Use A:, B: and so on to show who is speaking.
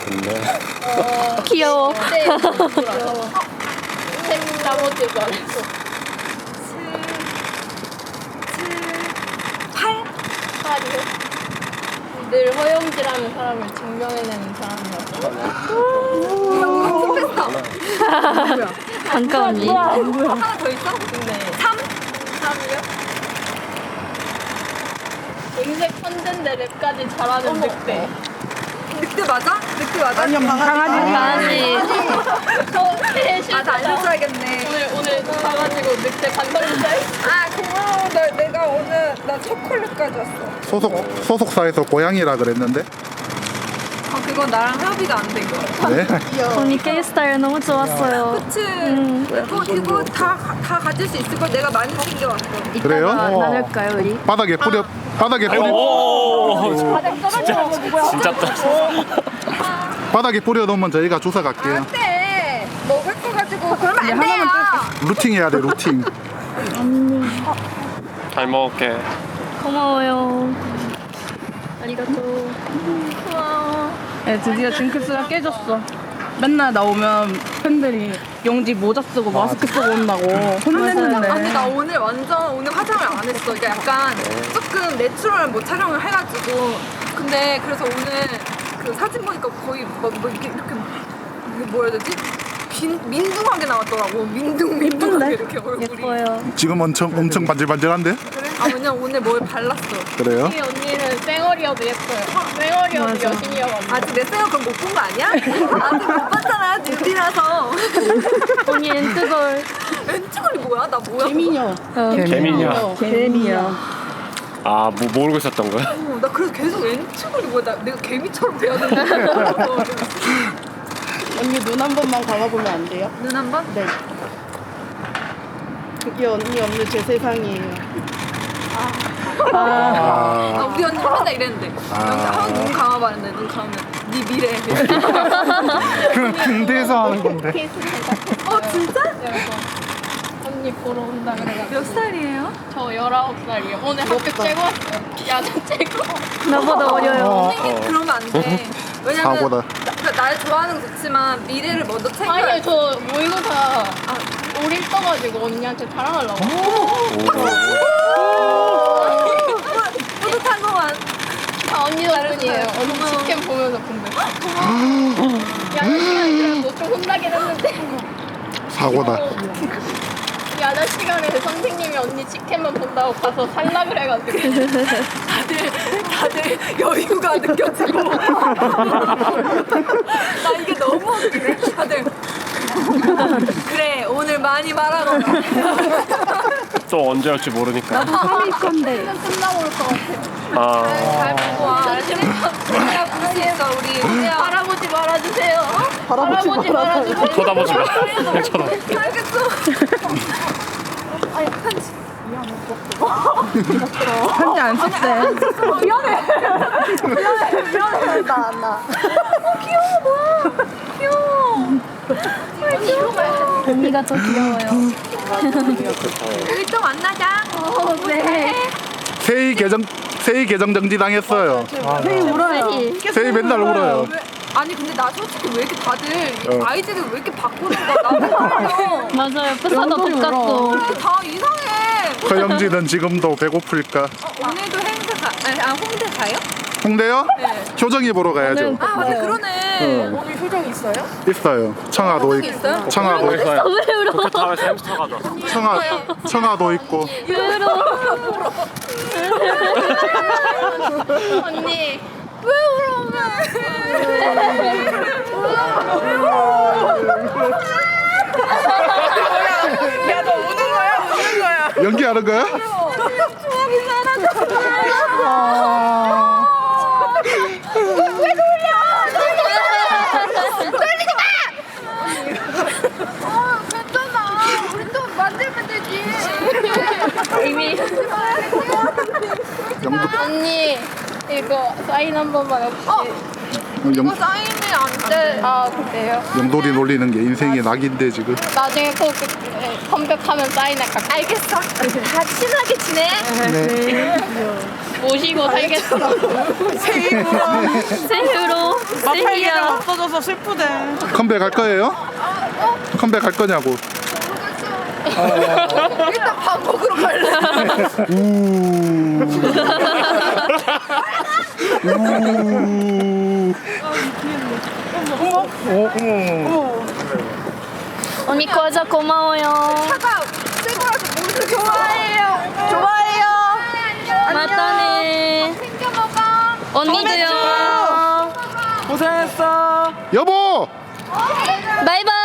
A: 좋네.
B: 귀여워.
C: 네. 책 나머지 말해서. 8이요? 늘 허영지라는 사람을 증명해내는 사람이었어.
B: 반가 언니.
C: 하나 더 있어? 네. 3이요? 음색 천재인데 랩까지 잘하는 늑대.
D: 늑대 맞아? 늑대 맞아?
E: 아니요, 강아지.
B: 강아지.
C: 나
D: 알려줘야겠네.
C: 오늘 가가지고 늑대 반성문자에
D: 아 고마워. 내가 오늘 나 초콜릿 가져왔어.
F: 소속사에서 고양이라 그랬는데.
D: 아 그건 나랑 협의가 안 된 거야.
F: 네.
B: 언니 K 스타일 너무 좋았어요.
D: 그치? 그거 다 가질 수 있을 걸 내가 많이 챙겨왔어.
F: 그래요?
B: 이따가 나눌까요 우리?
F: 바닥에 뿌려.
A: 오, 진짜
F: 바닥에 뿌려놓으면 저희가 주워 갈게요.
D: 안돼. 먹을 거 가지고 그러면 안 돼요.
F: 루팅 해야 돼, 루팅.
A: 잘 먹을게.
B: 고마워요. 아리가또.
C: 고마워.
E: 네, 드디어 징크스가 깨졌어. 맨날 나오면 팬들이 영지 모자 쓰고 마스크 쓰고 온다고 혼냈는데.
D: 아니 나 오늘 오늘 화장을 안 했어. 그러니까 약간 조금 내추럴 뭐 촬영을 해가지고. 근데 그래서 오늘 그 사진 보니까 거의 뭐 이렇게 뭐라 해야 되지? 민둥하게 나왔더라고. 민둥하게 이렇게 얼굴이.
B: 예뻐요.
F: 지금 엄청 반질반질한데?
D: 아 왜냐면 오늘 뭘 발랐어.
F: 그래요?
C: 이 언니는 쌩얼이어도 예뻐요. 쌩얼이어도
B: 맞아.
C: 여신이어가지고.
D: 아직 내 생각 그럼 못 본 거 아니야? 아직 못 봤잖아. 뉴디라서.
B: 언니 엔트걸.
D: 왼쪽이 뭐야? 나 뭐야?
E: 개미녀.
A: 개미냐?
E: 개미녀.
A: 아, 뭐 모르고 있었던 거야?
D: 나 그래서 계속 왼쪽이 뭐야? 내가 개미처럼 돼야 되는 거야.
E: 언니 눈 한 번만 감아보면 안 돼요?
D: 눈 한 번?
E: 네. 그게 언니 없는 제 세상이에요.
D: 아, 우리 언니 맨날 이랬는데. 눈 감아봤는데 눈 감으면 네 미래.
F: 그럼 군대에서 하는 건데.
D: 진짜?
C: 그래서 언니 보러 온다 그래가지고.
D: 몇 살이에요?
C: 저 19살이에요. 오늘 학교 째고 왔어요. 야자 째고.
B: 나보다 어려요.
D: 선생님 그러면 안 돼. 왜냐면
F: 사고다.
D: 날 좋아하는 건 좋지만 미래를 먼저 챙겨야
C: 아니 저 모의고사 올일 떠가지고 언니한테 자랑하려고.
D: 뿌듯한거만.
C: 다 언니 덕분이에요. 언니 직캠 보면서 본대. 야자 시간에 좀 혼나긴 했는데.
F: 사고다.
C: 야자 시간에 선생님이 언니 직캠만 본다고 가서 살라 그래가지고.
D: 다들 여유가 느껴지고. 나 이게 너무 웃기네. 다들. 그래 오늘 많이 말하거라.
A: 또 언제 올지 모르니까.
C: 끝나고 올 것 같아.
A: 아,
D: 잘 보고 와. 우리가 부를 수 있어 우리.
C: 할아버지 말아주세요. 할아버지 말아주세요.
A: 쳐다보지 마. 그냥 쳐다봐.
D: 알겠어.
E: 편지 안 썼대.
B: 언니가 더 귀여워요.
D: 우리 또 만나자.
B: 네.
F: 세이 계정 정지당했어요.
E: 세이 울어요.
F: 세이 맨날 울어요.
D: 아니 근데 나 솔직히 왜 이렇게 다들 아이디를 왜 이렇게 바꾸는 거야? 나도 말려.
B: 맞아요. 프사도 똑같고.
D: 다 이상해.
F: 허영지는 지금도 배고플까?
D: 오늘도 행사 홍대 가요?
F: 홍대요?
D: 네.
F: 효정이 보러 가야죠.
D: 아 맞아 그러네.
E: 오늘 효정 있어요?
F: 있어요. 청아도
D: 효정이 있어요?
F: 청아도 있고.
B: 왜 울어?
A: 도쿄타워에서 햄스터 가져왔어.
F: 청아도 있고.
B: 왜 울어?
C: 언니.
D: 왜 울어? 야너 우는 거야? 우는 거야?
F: 연기하는 거야?
D: 추억이 사라졌어. 왜 놀려? 놀리지 마! 괜찮아. 우리 또 만들면 되지.
C: 이미.
F: 영도
C: 언니 이거 사인 한 번만 혹시.
D: 이거 사인이 안 돼.
C: 아 그래요?
F: 영돌이 놀리는 게 인생의 낙인데 지금.
C: 나중에 꼭 컴백하면 사인할까?
D: 알겠어. 다 친하게 지내.
F: 네.
C: 모시고 살겠어.
B: 새우로
E: 마팔기를
B: 새우야.
E: 없어져서 슬프대.
F: 컴백 할 거예요? 컴백 할 거냐고.
D: 일단 밥 먹으러 갈래.
B: 언니 과자 고마워요.
D: 차가 새 거라서 모르는 좋아해요. 좋아해요.
B: 맞다네.
C: 챙겨 먹어.
B: 언니도요.
E: 고생했어.
F: 여보!
B: 바이바이.